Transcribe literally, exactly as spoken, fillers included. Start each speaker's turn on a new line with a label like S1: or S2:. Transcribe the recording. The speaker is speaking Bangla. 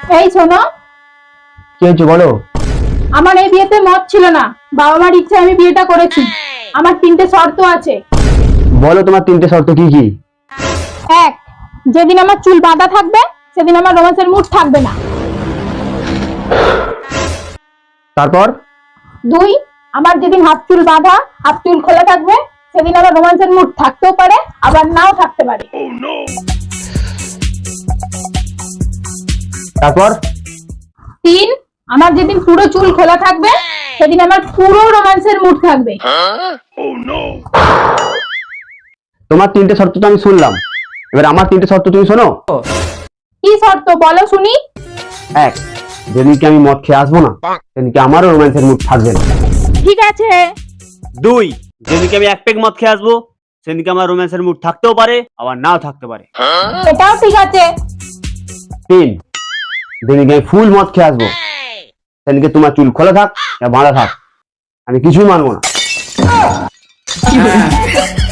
S1: এই শোনো,
S2: কি হয়েছে বলো।
S1: আমার এই বিয়েতে মত ছিল না, বাবা মার ইচ্ছে আমি বিয়েটা করেছি। আমার তিনটে শর্ত আছে।
S2: বলো তোমার তিনটে শর্ত কি কি?
S1: এক, যেদিন আমার চুল বাঁধা থাকবে সেদিন আমার রোমান্সের মুড থাকবে না।
S2: তারপর?
S1: দুই, আমার যেদিন হাফ চুল বাঁধা হাফ চুল খোলা থাকবে সেদিন আমার রোমান্সের মুড থাকতেও পারে আবার নাও থাকতে পারে।
S2: তারপর?
S1: তিন, আমার যেদিন পুরো চুল খোলা থাকবে সেদিন আমার পুরো রোমান্সের মুড থাকবে।
S2: তোমার তিনটে শর্ত তো আমি শুনলাম, এবার আমার তিনটে শর্ত তুমি শোনো।
S1: কি শর্ত বলো শুনি।
S2: এক, যেদিনকে আমি মদ খেয়ে আসবো না সেদিনকে আমারও রোম্যান্সের মুড থাকবে না।
S1: ঠিক আছে।
S3: দুই, যেদিনকে আমি এক পেগ মদ খেয়ে আসবো সেদিনকে আমার রোম্যান্সের মুড থাকতেও পারে আবার নাও থাকতে পারে।
S1: এটাও ঠিক আছে।
S2: তিন, যেদিনকে আমি ফুল মদ খেয়ে আসবো সেদিনকে তোমার চুল খোলা থাক বা বাঁধা থাক, আমি কিছুই মানবো না।